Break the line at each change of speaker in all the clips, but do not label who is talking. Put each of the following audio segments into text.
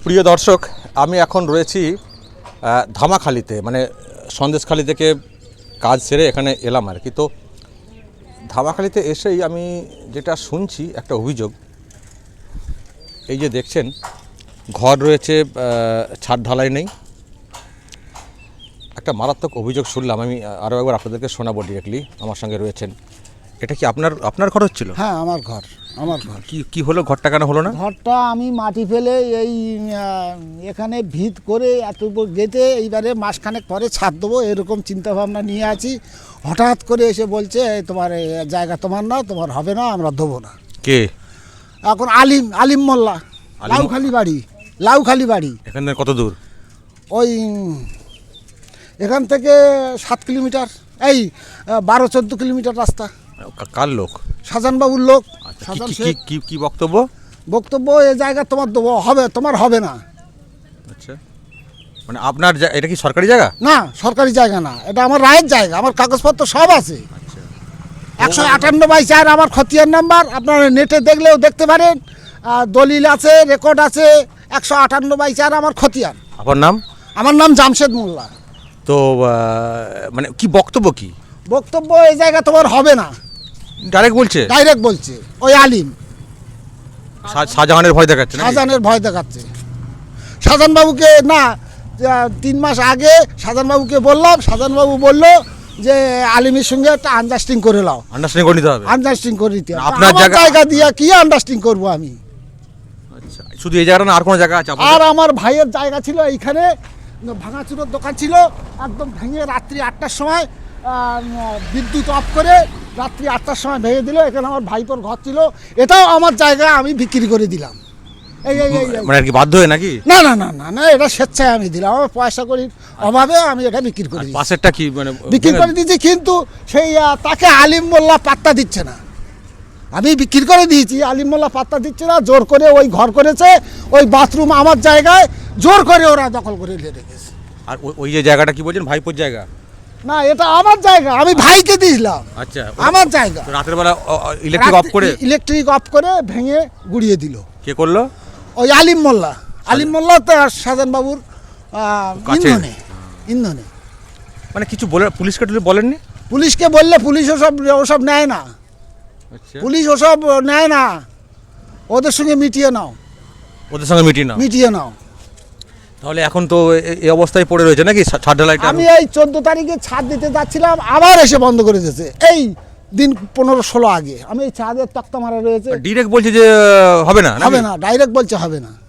প্রিয় দর্শক, আমি এখন রয়েছি ধামাখালিতে, মানে সন্দেশখালি থেকে কাজ সেরে এখানে এলাম আর কি। তো ধামাখালিতে এসেই আমি যেটা শুনছি একটা অভিযোগ, এই যে দেখছেন ঘর রয়েছে, ছাদ ঢালাই নেই। একটা মারাত্মক অভিযোগ শুনলাম, আমি আরও একবার আপনাদেরকে শোনাবো ডিরেক্টলি। আমার সঙ্গে রয়েছেন, এটা কি আপনার ঘর হচ্ছিল?
হ্যাঁ, আমার ঘর।
কি হলো, ঘরটা কেন হলো না?
ঘরটা আমি মাটি ফেলে এই এখানে ভিত করে এত গেঁথে এইবারে মাসখানেক পরে ছাদ দেবো এরকম চিন্তা ভাবনা নিয়ে আছি। হঠাৎ করে এসে বলছে তোমার জায়গা তোমার না, তোমার হবে না, আমরা দেবো না।
কে?
এখন আলিম মোল্লা, লাউখালি বাড়ি।
এখান থেকে কত দূর?
ওই এখান থেকে 7 কিলোমিটার, এই 12-14 কিলোমিটার রাস্তা।
কার লোক?
শাহজাহানবাবুর লোক।
কি বক্তব্য?
এই জায়গা তোমার দেবো, হবে, তোমার হবে না।
আচ্ছা, মানে আপনার এটা কি সরকারি জায়গা?
না, সরকারি জায়গা না, এটা আমার রায়ের জায়গা, আমার কাগজপত্র সব আছে। 158/4 আমার খতিয়ান নাম্বার, আপনারা নেটে দেখলেও দেখতে পারেন, দলিল আছে, রেকর্ড আছে। 158/4 আমার খতিয়ান।
আপনার নাম?
আমার নাম জামশেদ মোল্লা।
তো মানে কি বক্তব্য?
এই জায়গা তোমার হবে না,
ডাইরেক্ট
বলছে। ওই আলিম
শাহজাহানের ভয় দেখাচ্ছে।
শাহজাহানবাবুকে না, 3 মাস আগে শাহজাহানবাবুকে বললাম, শাহজাহানবাবু বললো যে আলিমের সঙ্গে একটা আন্ডারস্ট্যান্ডিং করে নাও।
আন্ডারস্ট্যান্ডিং করে নিতে হবে।
আপনার জায়গা দিয়ে কি আন্ডারস্ট্যান্ডিং করবো আমি?
আচ্ছা, শুধু এই জায়গাটা না, আর কোনো জায়গা আছে?
আর আমার ভাইয়ের জায়গা ছিল এইখানে, ভাঙাচুরোর দোকান ছিল, একদম ভেঙে রাত্রি 8টার সময় বিদ্যুৎ অফ করে রাত্রি 8টার সময় ভেঙে দিল। এখানে আমার ভাইপোর ঘর ছিল, এটাও আমার জায়গা, আমি বিক্রি করে দিলাম।
মানে আর কি বাধ্য হয়ে নাকি?
না, এটা স্বেচ্ছায় আমি দিলাম, আমার পয়সা করির অভাবে আমি এটা বিক্রি করে দিই।
পাশেরটা কি মানে
বিক্রি করে দিয়েছি, কিন্তু সেই তাকে আলিম মোল্লা পাত্তা দিচ্ছে না। আমি বিক্রি করে দিয়েছি, আলিম মোল্লা পাত্তা দিচ্ছে না। জোর করে ওই ঘর করেছে, ওই বাথরুম আমার জায়গায় জোর করে ওরা দখল করে রেখেছে।
আর ওই যে জায়গাটা কি বলছেন, ভাইপোর জায়গা?
না, এটা আমার জায়গা, আমি ভাইকে দিয়েছিলাম।
আচ্ছা,
আমার জায়গা।
রাতের বেলা ইলেকট্রিক অফ করে
ভেঙে গুড়িয়ে দিল।
কে করলো?
ওই আলিম মোল্লা তো শাহজাহানবাবুর ইন্ধনে।
মানে কিছু বলে পুলিশকে বলেননি?
পুলিশকে বললে পুলিশ ওসব নেয় না। পুলিশ ওসব নেয় না, ওদের সঙ্গে মিটিয়ে নাও।
তাহলে এখন তো এই অবস্থায় পড়ে রয়েছে নাকি ছাদ ঢালাইটা?
আমি এই 14 তারিখে ছাদ দিতে যাচ্ছিলাম, আবার এসে বন্ধ করে দিয়েছে। এই দিন 15-16 আগে আমি এই ছাদের তক্তা মারা রয়েছে।
ডাইরেক্ট বলছে যে হবে না,
ডাইরেক্ট বলছে হবে না।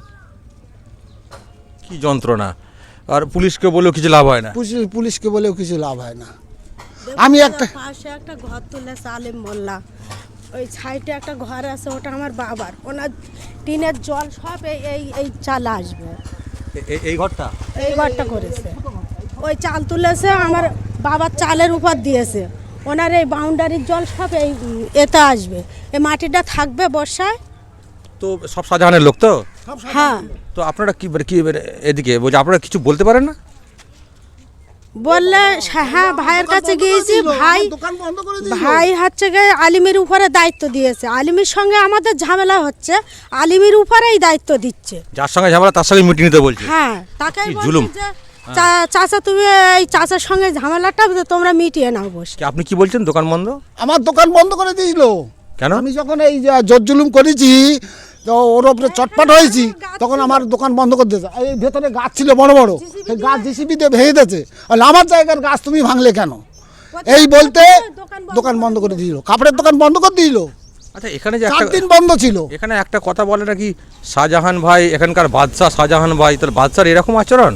কি যন্ত্রণা! আর পুলিশকে বলেও কিছু লাভ হয় না।
আমি একটা
ঘর তুলেছে আলিম মোল্লা, ওই সাইডে একটা ঘর আছে, ওটা আমার বাবার। ওনার টিনের জল সব এই চাল আসবে।
এই ঘরটা
করেছে, ওই চাল তুলেছে, আমার বাবার চালের উপর দিয়েছে। ওনার এই বাউন্ডারির জল সব এতে আসবে, এই মাটিটা থাকবে বর্ষায়।
তো সব শাহজাহানের লোক তো?
হ্যাঁ।
তো আপনারা কি এদিকে বলছে, আপনারা কিছু বলতে পারেন না?
বললে হ্যাঁ, ভাইয়ের কাছে গিয়েছি, ভাই হচ্ছে গিয়ে আলিমের উপরে দায়িত্ব দিয়েছে। আলিমের সঙ্গে আমাদের ঝামেলা হচ্ছে, আলিমের উপরেই দায়িত্ব দিচ্ছে।
যার সঙ্গে ঝামেলা তার সঙ্গে মিটিয়ে নিতে বলছে।
হ্যাঁ, তাকে
জুলুম।
চাচা, তুমি এই চাচার সঙ্গে ঝামেলাটা তোমরা মিটিয়ে নাও বসে।
আপনি কি বলছেন, দোকান বন্ধ?
আমার দোকান বন্ধ করে দিয়েছিল।
কেন?
আমি যখন এই জোর জুলুম করেছি, তো ওর ওপরে চটপট হয়েছি, তখন আমার দোকান বন্ধ করে দিয়েছে। এই ভেতরে গাছ ছিল বড় বড়, সেই গাছ জিসিবি দিয়ে ভেঙে দিয়েছে। আমার জায়গার গাছ তুমি ভাঙলে কেন, এই বলতে দোকান বন্ধ করে দিল, কাপড়ের দোকান বন্ধ করে দিল।
আচ্ছা, এখানে যে
4 দিন বন্ধ ছিল।
এখানে একটা কথা বলে নাকি শাহজাহান ভাই এখানকার বাদশা, শাহজাহান ভাই, তাহলে বাদশার এরকম আচরণ?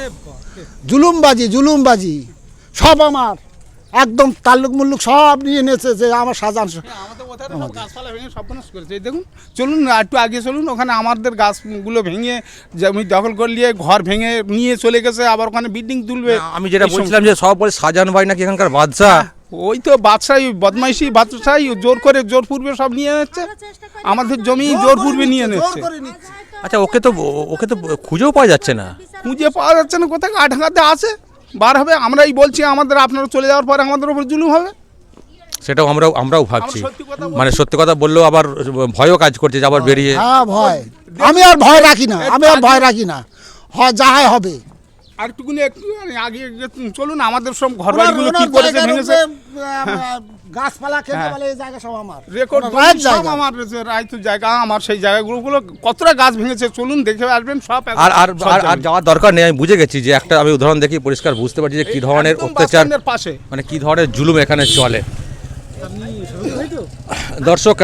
জুলুমবাজি সব আমার, একদম তাল্লুক মুল্লুক সব নিয়ে নিয়েছে যে আমার শাহজাহান।
গাছপালা ভেঙে সব নষ্ট করেছে। দেখুন, চলুন একটু আগে চলুন, ওখানে আমাদের গাছগুলো ভেঙে জমি দখল করলিয়ে ঘর ভেঙে নিয়ে চলে গেছে, আবার ওখানে বিল্ডিং তুলবে।
আমি যেটা বলছিলাম যে সব বলে শাহজাহান ভাই নাকি এখানকার বাদশা।
ওই তো বাদশাহী, বদমাইশি বাদশাহী, জোর পূর্বে সব নিয়ে নিচ্ছে, আমাদের জমি জোর পূর্বে নিয়ে নিচ্ছে।
আচ্ছা, ওকে তো খুঁজেও পাওয়া যাচ্ছে না।
কোথায় আঠাঙ্গাতে আছে, বার হবে। আমরাই বলছি আমাদের, আপনারা চলে যাওয়ার পরে আমাদের উপর জুলুম হবে।
সেটাও আমরাও ভাবছি, মানে সত্যি কথা বললেও আবার ভয়ও কাজ করছে যে আবার বেরিয়ে।
ভয় আমি আর ভয় রাখি না, আমি আর ভয় রাখি না, যা হয় হবে।
আর একটুকুনি একটু আগে চলুন, আমাদের সব ঘর বাড়িগুলো কি করেছে ভেঙেছে,
গাছপালা খেতে পারে, এই জায়গা সব আমার
রেকর্ড
রাইট
সব
জায়গা।
আমার রাইতো জায়গা আমার, সেই জায়গাগুলো কতটা গাছ ভেঙেছে চলুন দেখে আসবেন সব।
আর আর আর- আর যাওয়ার দরকার নেই, আমি বুঝে গেছি যে একটা আমি উদাহরণ দেখি পরিষ্কার বুঝতে পারছি যে কী ধরনের
একদম
অত্যাচার,
বাসস্ট্যান্ডের পাশে
মানে কী ধরনের জুলুম এখানে চলে। দর্শক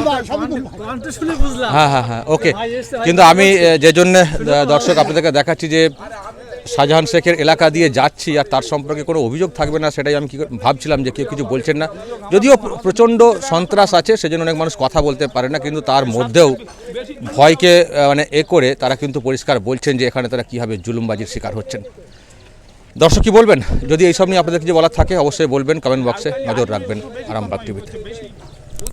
হ্যাঁ হ্যাঁ হ্যাঁ ওকে, কিন্তু আমি যে জন্য দর্শক আপনাদেরকে দেখাচ্ছি যে শাহজাহান শেখের এলাকা দিয়ে যাচ্ছি আর তার সম্পর্কে কোনো অভিযোগ থাকবে না, সেটাই আমি ভাবছিলাম যে কেউ কিছু বলছেন না, যদিও প্রচণ্ড সন্ত্রাস আছে সেজন্য অনেক মানুষ কথা বলতে পারে না, কিন্তু তার মধ্যেও ভয়কে মানে করে তারা কিন্তু পরিষ্কার বলছেন যে এখানে তারা কীভাবে জুলুমবাজির শিকার হচ্ছেন। দর্শক কি বলবেন? যদি এইসব নিয়ে আপনাদের কিছু বলার থাকে অবশ্যই বলবেন, কমেন্ট বক্সে নজর রাখবেন আরামবাগ টিভিতে।